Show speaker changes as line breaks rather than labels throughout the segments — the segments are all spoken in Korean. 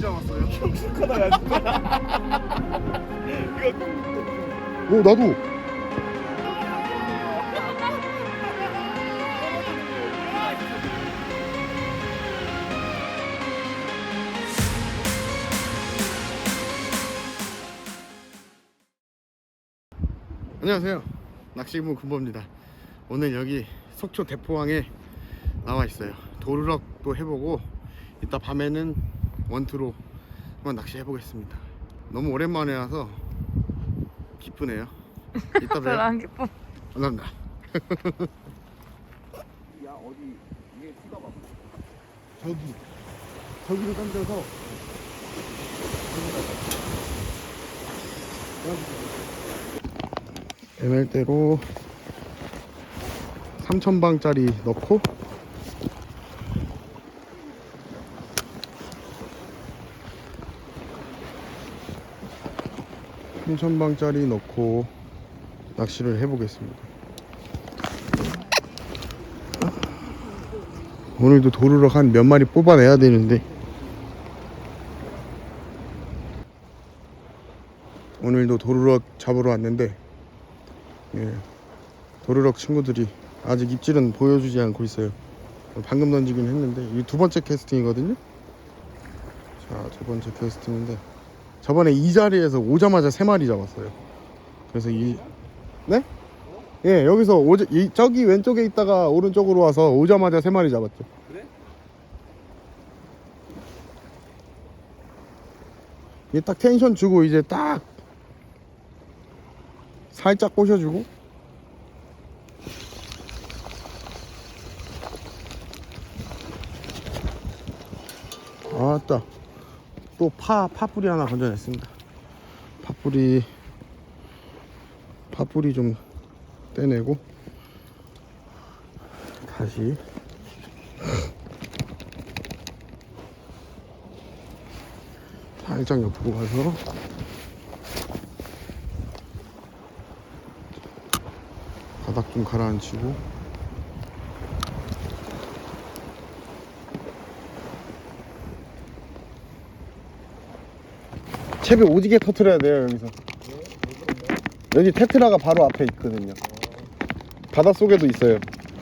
잡았어요.
흉측하다 야 진짜.
오 나도. 안녕하세요, 낚시부 군보입니다. 오늘 여기 속초 대포항에 나와 있어요. 도루럭도 해보고 이따 밤에는 원투로 한번 낚시 해보겠습니다. 너무 오랜만에 와서 기쁘네요. 이따
별로
봬요.
안 기뻐.
감사합니다.
야 어디 이게 수가 봐.
저기로 던져서 ML대로 3000방짜리 넣고 낚시를 해보겠습니다. 오늘도 도루럭 한 몇 마리 뽑아내야 되는데 오늘도 도루럭 잡으러 왔는데 도루럭 친구들이 아직 입질은 보여주지 않고 있어요. 방금 던지긴 했는데 이게 두 번째 캐스팅이거든요. 자, 두 번째 캐스팅인데 저번에 이 자리에서 오자마자 3마리 잡았어요. 그래서 네? 예, 여기서 저기 왼쪽에 있다가 오른쪽으로 와서 오자마자 3마리 잡았죠.
그래?
이게 딱 텐션 주고 이제 딱 살짝 꼬셔주고 아따 또 파뿌리 하나 건져냈습니다. 파뿌리 좀 떼내고 다시 살짝 옆으로 가서 바닥 좀 가라앉히고 채비 오지게 터트려야 돼요. 여기서 여기 테트라가 바로 앞에 있거든요. 바닷속에도 있어요.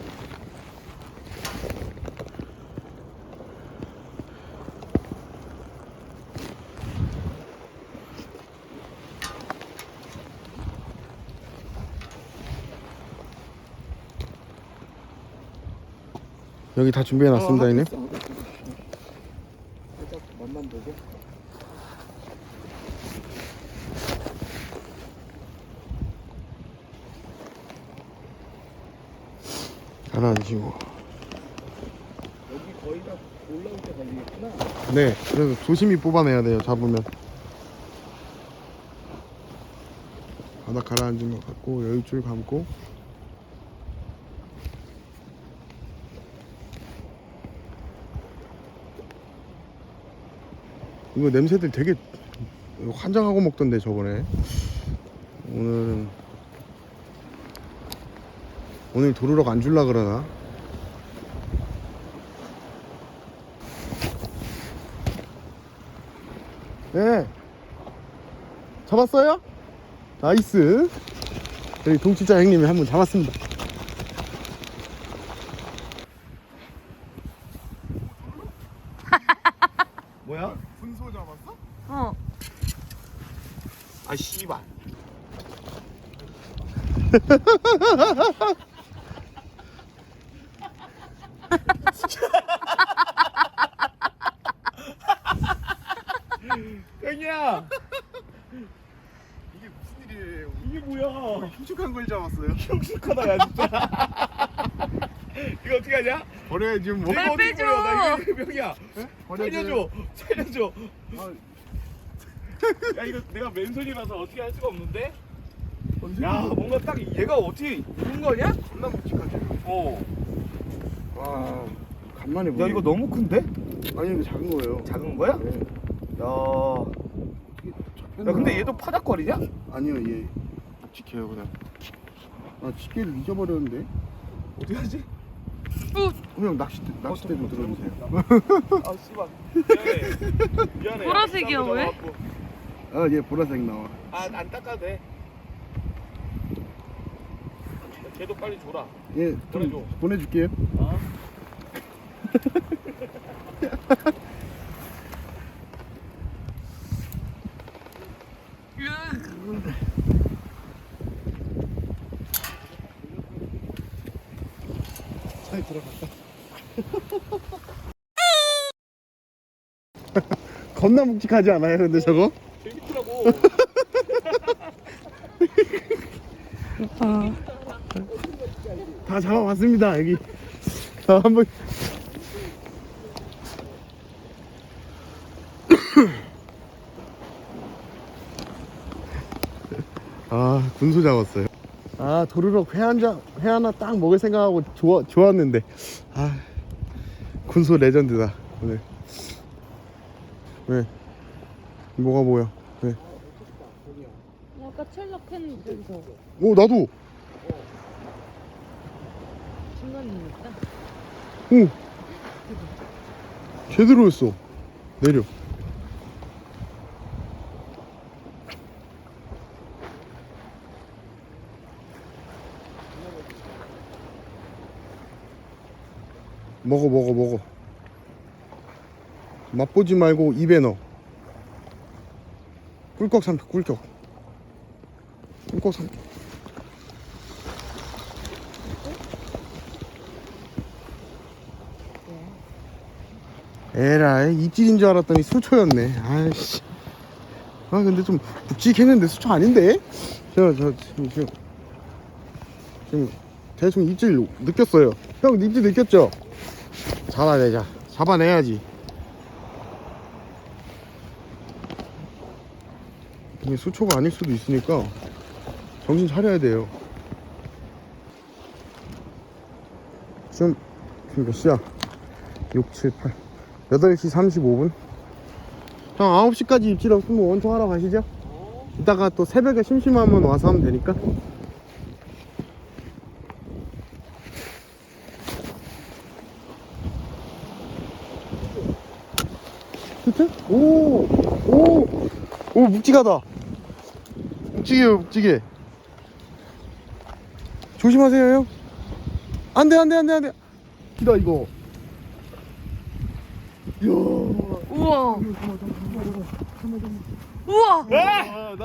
여기 다 준비해 놨습니다. 이네
살짝 맛만 보고.
가라앉히고.
여기 거의 다 올라올 때 걸리겠구나.
네, 그래서 조심히 뽑아내야 돼요. 잡으면 바닥 가라앉은 것 같고 여유줄 감고 이거 냄새들 되게 환장하고 먹던데 저번에. 오늘 도루럭 안 줄라 그러나? 네, 잡았어요? 나이스. 여기 동치자 형님이 한 번 잡았습니다.
뭐야?
분소 잡았어?
어.
아 씨발. 땡이야.
이게 무슨 일이에요?
이게 뭐야?
흉측한 걸 잡았어요.
흉측하다 야 진짜. 이거 어떻게 하냐?
버려야지 뭐.
빨리
어디
빼줘.
버려? 나 이거 병이야.
버려야지.
살려줘. 야 이거 내가 맨손이라서 어떻게 할 수가 없는데? 야 뭔가 딱 얘가 어떻게 이런 거냐?
겁나 묵직하지.
어.
와, 간만에
야
보네.
이거 너무 큰데?
아니 이거 작은 거예요.
작은 거야?
네.
야.
잡혔나?
야 근데 얘도 파닥거리냐?
아니요, 얘 묵직해요 그냥. 아, 집게를 잊어버렸는데.
어떻게 하지?
형 낚싯대 좀 들어주세요.
아 씨발. 미안해. 미안해.
보라색이야,
쌍꺼
왜?
잡아갖고.
아, 얘 보라색 나와.
안 닦아도 돼. 걔도 빨리 줘라.
얘
보내줘.
좀 보내줄게요.
어?
차에 들어갈까? 겁나 묵직하지 않아요, 근데 저거?
재밌더라고.
다 잡아봤습니다, 여기. 한번. 아, 군소 잡았어요. 아, 도르륵 회 하나 딱 먹을 생각하고 좋았는데. 아, 군소 레전드다, 오늘. 왜? 뭐가 뭐야? 왜?
아까 첼락했는데 여기서
오, 나도!
중간에 있다.
오! 제대로 했어. 내려. 먹어. 맛보지 말고 입에 넣어. 꿀꺽 삼켜, 꿀꺽 삼켜. 에라이, 입질인 줄 알았더니 수초였네. 아이씨. 아, 근데 좀 묵직했는데 수초 아닌데? 지금 대충 입질 느꼈어요. 형, 입질 느꼈죠? 잡아내야지. 이게 수초가 아닐 수도 있으니까 정신 차려야 돼요. 지금 몇 시야? 6, 7, 8 8시 35분. 형, 9시까지 입질 없으면 원통 하러 가시죠. 이따가 또 새벽에 심심하면 와서 하면 되니까. 히트? 오, 묵직하다. 묵직해. 조심하세요, 형. 안 돼. 기다, 이거. 이야.
우와. 우와.
아,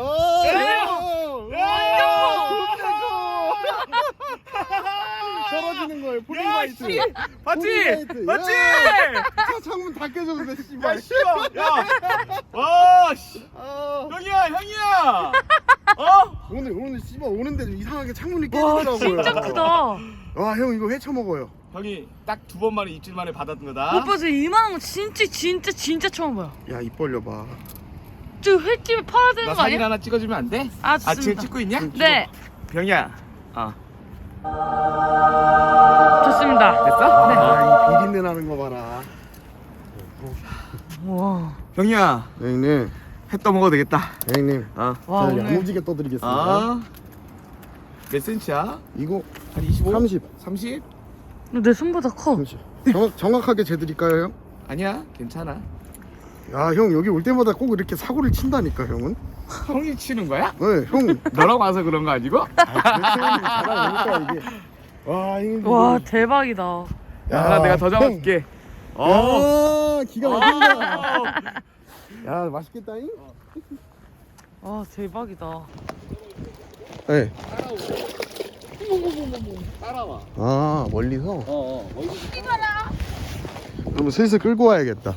떨어지는 거예요. 폴링바이트.
맞지?
차 창문 다 깨졌는데, 씨발.
야 씨발. 야. 와 씨.
아,
형이야. 어?
오늘 씨발 오는데 좀 이상하게 창문이
와,
깨지더라고요.
진짜 크다.
와, 형 이거 회쳐 먹어요.
형이 딱 2번 만에 입질 만에 받았던 거다.
오빠 저 이만한 거 진짜 처음 봐요.
야, 입 벌려봐.
저 횟집에 팔아야 되는
나
거
사진
아니야?
하나 찍어주면 안 돼?
아,
지금
좋습니다.
찍고 있냐?
네,
병이야.
좋습니다.
됐어?
아, 이 비린내 나는 거 봐라.
우와.
병이야.
형님,
회 떠먹어도 되겠다.
형님.
어.
와,
자,
오늘
야무지게 떠드리겠습니다.
몇 센치야?
이거
한 25?
30.
30?
내 손보다 커.
30. 정확하게 재드릴까요, 형?
아니야, 괜찮아.
야, 형 여기 올 때마다 꼭 이렇게 사고를 친다니까, 형은.
형이 치는 거야?
네, 형.
너랑 와서 그런 거 아니고?
잘하니까 이게. 와, 형님.
와, 대박이다.
야, 하나 내가 더 잡아줄게.
야, 기가 막힌다. 야, 맛있겠다잉?
와, 대박이다.
네.
따라와.
아, 멀리서?
멀리.
그럼 슬슬 끌고 와야겠다.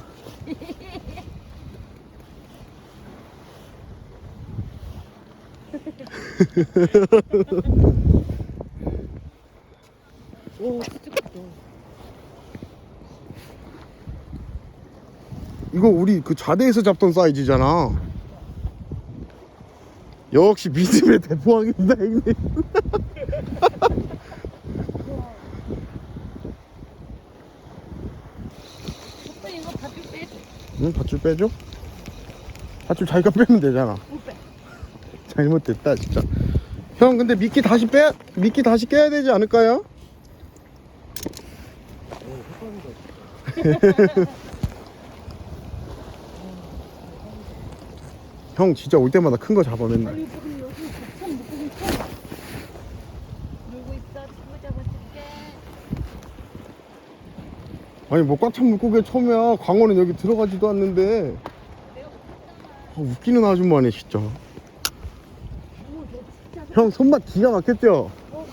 오, 진짜 크다.
이거 우리 그 좌대에서 잡던 사이즈잖아. 역시 믿음의 대포왕입니다, 형님.
오빠 이거 밧줄 빼.
응, 밧줄 빼줘? 밧줄 자기가 빼면 되잖아.
못 빼.
잘못됐다, 진짜. 형, 근데 미끼 다시 깨야 되지 않을까요? 형 진짜 올 때마다 큰 거 잡아 맨날.
여기 참 물고기 참. 놀고 있어. 친구 잡아줄게.
아니 뭐 꽉 찬 물고기 처음이야. 광어는 여기 들어가지도 않는데. 웃기는 아줌마네 진짜. 형 손맛 기가 막혔죠?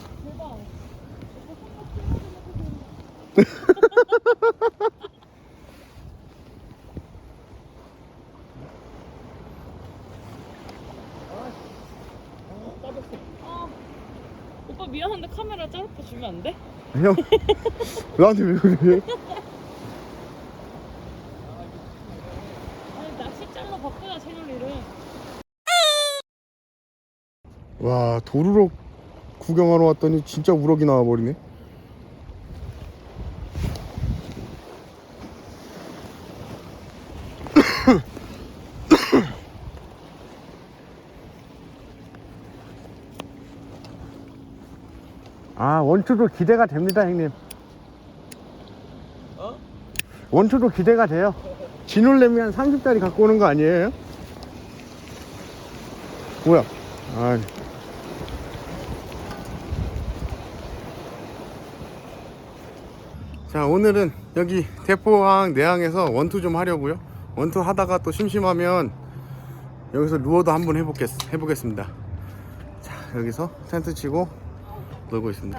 오빠 미안한데 카메라 짧게 주면 안 돼?
형 나한테 왜 그래?
아니 낚싯줄로 바꾸자 채널이를.
와 도루록 구경하러 왔더니 진짜 우럭이 나와버리네. 아 원투도 기대가 됩니다 형님. 원투도 기대가 돼요. 진올래미 한 30짜리 갖고 오는 거 아니에요? 뭐야? 아. 자 오늘은 여기 대포항 내항에서 원투 좀 하려고요. 원투 하다가 또 심심하면 여기서 루어도 한번 해보겠습니다. 자 여기서 텐트 치고 놀고 있습니다.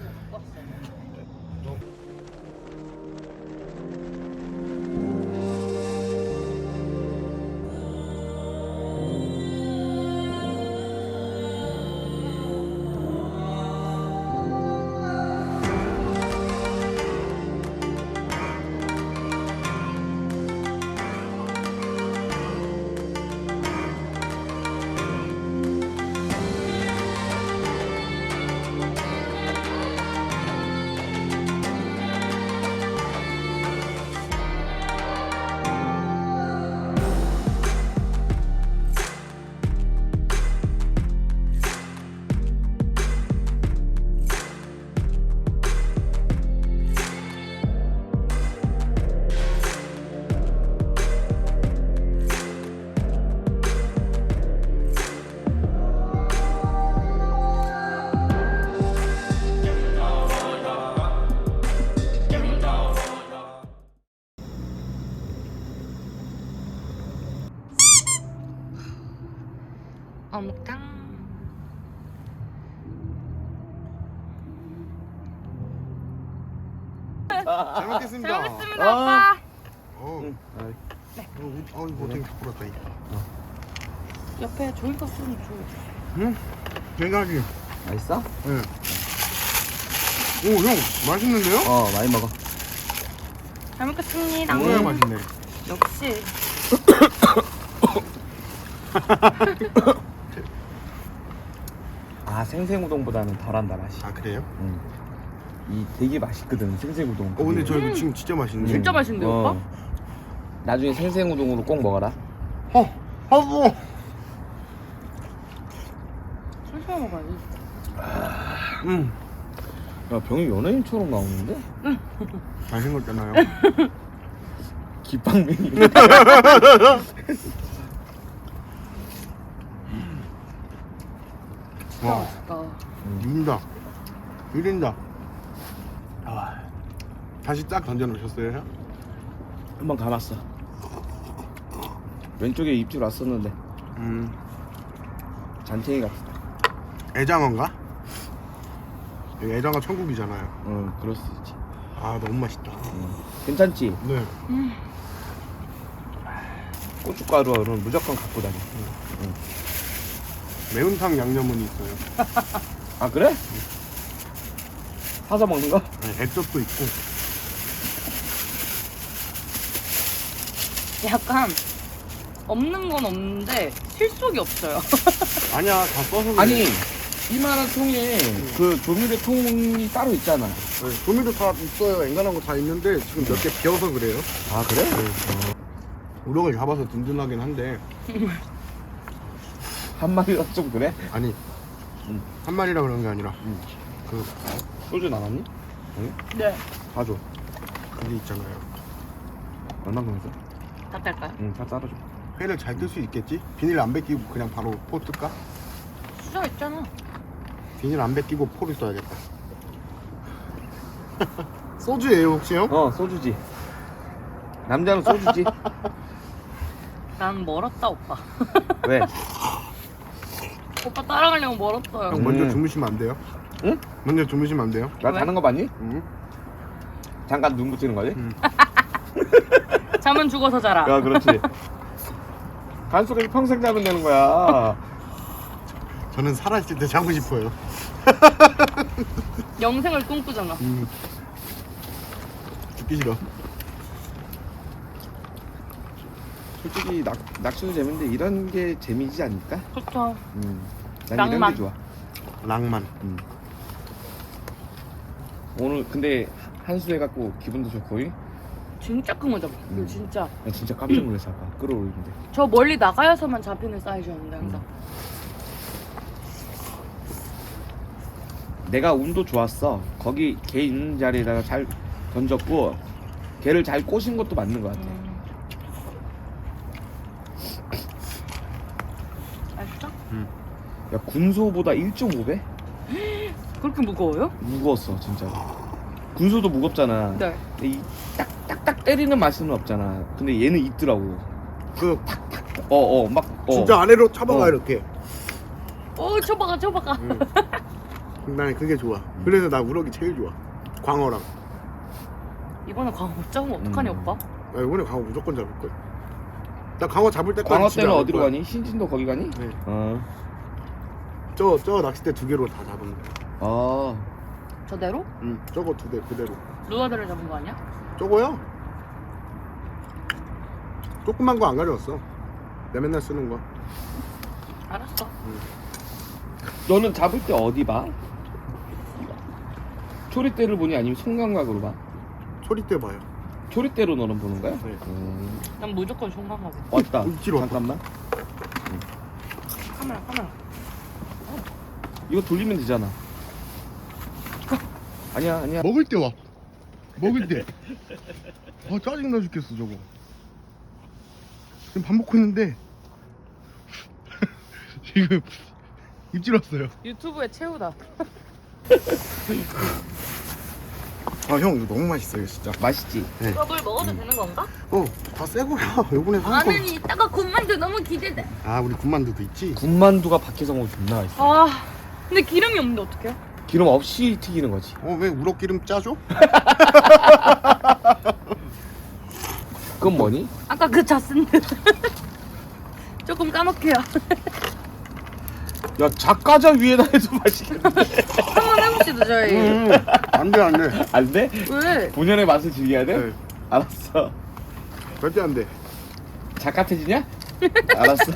어묵탕.
잘 먹겠습니다.
잘 먹겠습니다 오빠.
이거 되게 부끄럽다.
옆에 종이컵 좀 줘.
응? 대가리.
맛있어?
응. 오, 형 맛있는데요?
많이 먹어.
잘 먹겠습니다.
정말 맛있네.
역시.
생생우동보다는 덜한다 맛이.
아 그래요?
이 되게 맛있거든 생생우동.
근데 저 이거 지금 진짜 맛있네.
진짜 맛있는데 오빠?
나중에 생생우동으로 꼭 먹어라.
하고.
천천히 먹어야지.
야 병이 연예인처럼 나오는데?
잘생겼잖아요.
기빵맹이.
와,
맛있다.
인다. 이린다. 아, 다시 딱 던져 놓으셨어요, 형?
한번 감았어. 왼쪽에 입질 왔었는데 잔챙이 같다.
애장어인가? 여기 애장어 천국이잖아요.
그럴 수 있지.
아, 너무 맛있다.
괜찮지?
네.
고춧가루는 무조건 갖고 다녀.
매운탕 양념은 있어요.
아 그래? 사서 먹는 거?
네, 액젓도 있고.
약간 없는 건 없는데 실속이 없어요.
아니야, 다 써서 그래.
아니 이만한 통에 그 조미료 통이 따로 있잖아.
네, 조미료 다 있어요. 앵간한 거 다 있는데 지금 몇 개 비어서 그래요.
아 그래?
우럭을 잡아서 든든하긴 한데
한 마리가 좀 그래?
아니 한 마리라 그런 게 아니라 그
소주 나왔니?
네.
가져.
그게 있잖아요.
얼마큼 했어?
다 딸까요?
응, 다 따라줘.
회를 잘 뜰 수 있겠지? 비닐 안 벗기고 그냥 바로 포 뜰까?
수저 있잖아.
비닐 안 벗기고 포를 써야겠다. 소주예요 혹시 형?
소주지. 남자는 소주지.
난 멀었다 오빠.
왜?
오빠 따라가려면 멀었어요.
형 먼저 주무시면 안 돼요?
응?
먼저 주무시면 안 돼요?
나
왜?
자는 거 봤니?
응.
잠깐 눈 붙이는 거지?
잠은 죽어서 자라.
야, 그렇지. 간수가 평생 자면 되는 거야.
저는 살아있을 때 자고 싶어요.
영생을 꿈꾸잖아.
죽기 싫어.
솔직히 낚시도 재밌는데 이런 게 재미지 않을까?
그렇죠.
난 이런
낭만.
게 좋아.
낭만.
오늘 근데 한수 해갖고 기분도 좋고.
진짜 큰 거 잡아. 이거 진짜.
나 진짜 깜짝 놀랐어 아까 끌어올리는데.
저 멀리 나가야서만 잡히는 사이즈였는데 항상.
내가 운도 좋았어. 거기 개 있는 자리에다가 잘 던졌고 개를 잘 꼬신 것도 맞는 것 같아.
맛있어?
야, 군소보다 1.5배?
그렇게 무거워요?
무거웠어 진짜. 군소도 무겁잖아.
네.
근데 이 딱딱딱 때리는 맛은 없잖아. 근데 얘는 있더라고.
그
막
진짜 아래로 쳐박아
어.
이렇게.
쳐박아 쳐박아.
난 그게 좋아. 그래서 나 우럭이 제일 좋아. 광어랑.
이번에 광어 못 잡으면 어떡하니 오빠?
나 이번에 광어 무조건 잡을 거야. 나 광어 잡을 때까지
광어
집에
때는
안 올
어디로
거야.
가니? 신진도 거기 가니?
네.
어.
저 낚싯대 2개로 다 잡은 거야.
아.
저대로?
저거 2대 그대로.
누나들을 잡은 거 아니야?
저거요? 조그만 거 안 가져왔어. 내 맨날 쓰는 거.
알았어.
너는 잡을 때 어디 봐? 초리대를 보니 아니면 손감각으로 봐?
소리대 봐요.
초리대로 너는 보는 거야?
네.
난 무조건 총각하고.
왔다.
입질 왔다.
잠깐만.
카메라.
이거 돌리면 되잖아. 아니야.
먹을 때 와. 먹을 때. 짜증나 죽겠어 저거. 지금 밥 먹고 있는데 지금 입질 왔어요.
유튜브에 채우다.
아 형 이거 너무 맛있어요 진짜.
맛있지?
물 먹어도 되는 건가?
다 새 거야. 요번에 산 거.
나는 이따가 군만두 너무 기대돼.
아 우리 군만두도 있지.
군만두가 밖에서 먹으면 존나 맛있어.
아, 근데 기름이 없는데 어떡해요?
기름 없이 튀기는 거지.
왜 우럭 기름 짜줘?
그건 뭐니?
아까 그 자스인데. 조금 까먹게요.
야, 작가자 위에다 해도 맛있겠는데.
한번 해봅시다 저희.
안돼 안돼.
안 돼?
왜?
본연의 맛을 즐겨야 돼?
네.
알았어.
절대 안돼.
작가태지냐? 알았어.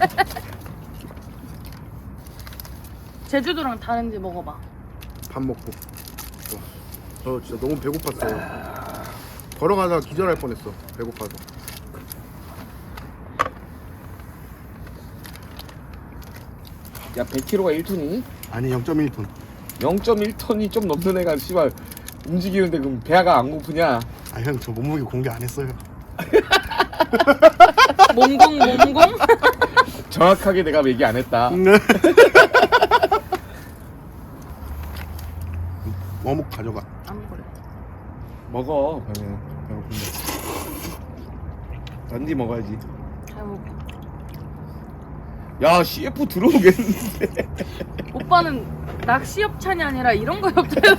제주도랑 다른지 먹어봐.
밥 먹고. 저 진짜 너무 배고팠어요. 걸어가다가 기절할 뻔했어. 배고파서.
야, 100kg가 1톤이니?
아니 0.1톤.
0.1톤이 좀 넘는 애가 씨발 움직이는데 그럼 배가 안 고프냐?
아 형 저 몸무게 공개 안 했어요.
몸공?
정확하게 내가 얘기 안 했다.
어묵 가져가.
안 먹을래.
먹어. 배고픈데. 단지 먹어야지.
잘 먹어.
야, CF 들어오겠는데.
오빠는 낚시 협찬이 아니라 이런 거 협찬을.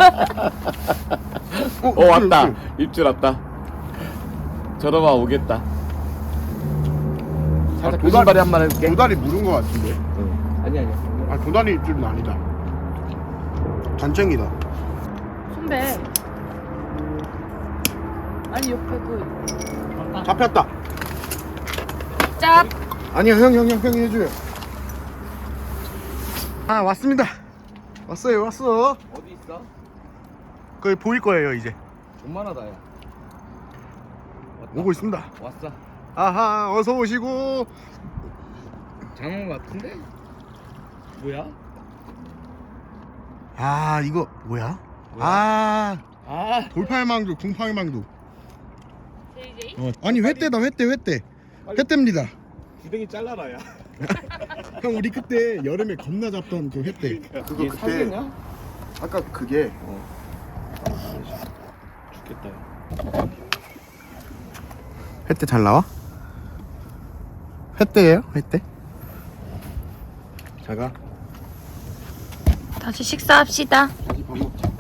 왔다. 입질 왔다. 저러봐 오겠다. 살짝 그 신발에 한 번 해줄게.
도다리 물은 거 같은데.
응. 아니야.
아 도다리 입질은 아니다. 단챙이다.
선배. 아니 옆에 그
잡혔다.
짭.
아니야 형이 해줘요. 아 왔습니다. 왔어요.
어디 있어?
거기 보일 거예요 이제.
존만하다 야. 왔다.
오고 있습니다.
왔어.
아하 어서 오시고.
장어 같은데? 뭐야?
아 이거 뭐야?
뭐야?
돌팔망두 궁팔망두.
제 DJ?
아니 회대다 회대입니다.
주댕이 잘라라 야.
형 우리 그때 여름에 겁나 잡던 그 회대. 그거
이게 살겠냐?
아까 그게
죽겠다.
회대 잘 나와? 회대예요? 회대? 자가
다시 식사합시다.
다시 밥 먹자.